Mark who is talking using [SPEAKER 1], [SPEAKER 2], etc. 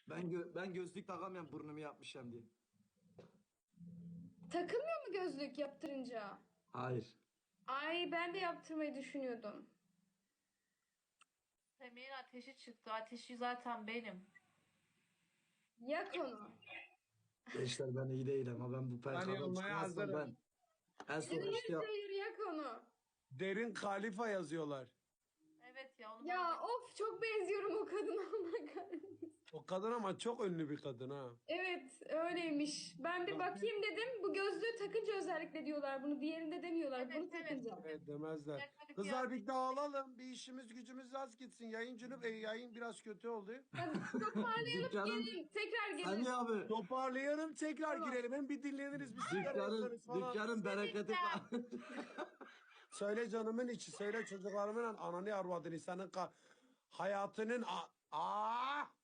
[SPEAKER 1] Ben gözlük takamıyorum burnumu yapmışım diye.
[SPEAKER 2] Takılmıyor mu gözlük yaptırınca?
[SPEAKER 1] Hayır.
[SPEAKER 2] Ay ben de yaptırmayı düşünüyordum.
[SPEAKER 3] Semih'in ateşi çıktı. Ateşi zaten benim.
[SPEAKER 2] Yak onu.
[SPEAKER 1] Gençler ben iyi değilim ama ben bu
[SPEAKER 4] Ben
[SPEAKER 1] PKK'dan
[SPEAKER 4] yanmaya
[SPEAKER 1] çıkmazsam
[SPEAKER 4] hazırım.
[SPEAKER 1] ben en son
[SPEAKER 2] Hayır
[SPEAKER 1] işte
[SPEAKER 2] hayır yak onu.
[SPEAKER 4] Derin Kalifa yazıyorlar.
[SPEAKER 3] Evet ya onu
[SPEAKER 2] Ya
[SPEAKER 3] bana
[SPEAKER 2] of çok benziyorum o kadına. Allah kahretsin.
[SPEAKER 4] O kadın ama çok ünlü bir kadın ha.
[SPEAKER 2] Evet öyleymiş. Ben bir bakayım dedim. Bu gözlüğü takınca özellikle diyorlar bunu. Diğerinde demiyorlar.
[SPEAKER 3] Evet,
[SPEAKER 2] Bunu
[SPEAKER 3] evet.
[SPEAKER 2] takınca.
[SPEAKER 4] Evet demezler.
[SPEAKER 3] Gel hadi
[SPEAKER 4] Kızlar
[SPEAKER 3] kıyafet.
[SPEAKER 4] bir dağılalım. Bir işimiz gücümüz az gitsin. Yayın biraz kötü oldu.
[SPEAKER 2] Hadi toparlayalım
[SPEAKER 1] dükkanın
[SPEAKER 2] gelin. Tekrar gelin.
[SPEAKER 1] Sani abi
[SPEAKER 4] Toparlayalım tekrar
[SPEAKER 2] Tamam.
[SPEAKER 4] girelim. Hem bir dinleniriz bir sigara yakarız falan.
[SPEAKER 1] dükkanın bereketi
[SPEAKER 4] Söyle canımın içi. Söyle çocuklarımın ananı arvadını. Senin hayatının... Aa!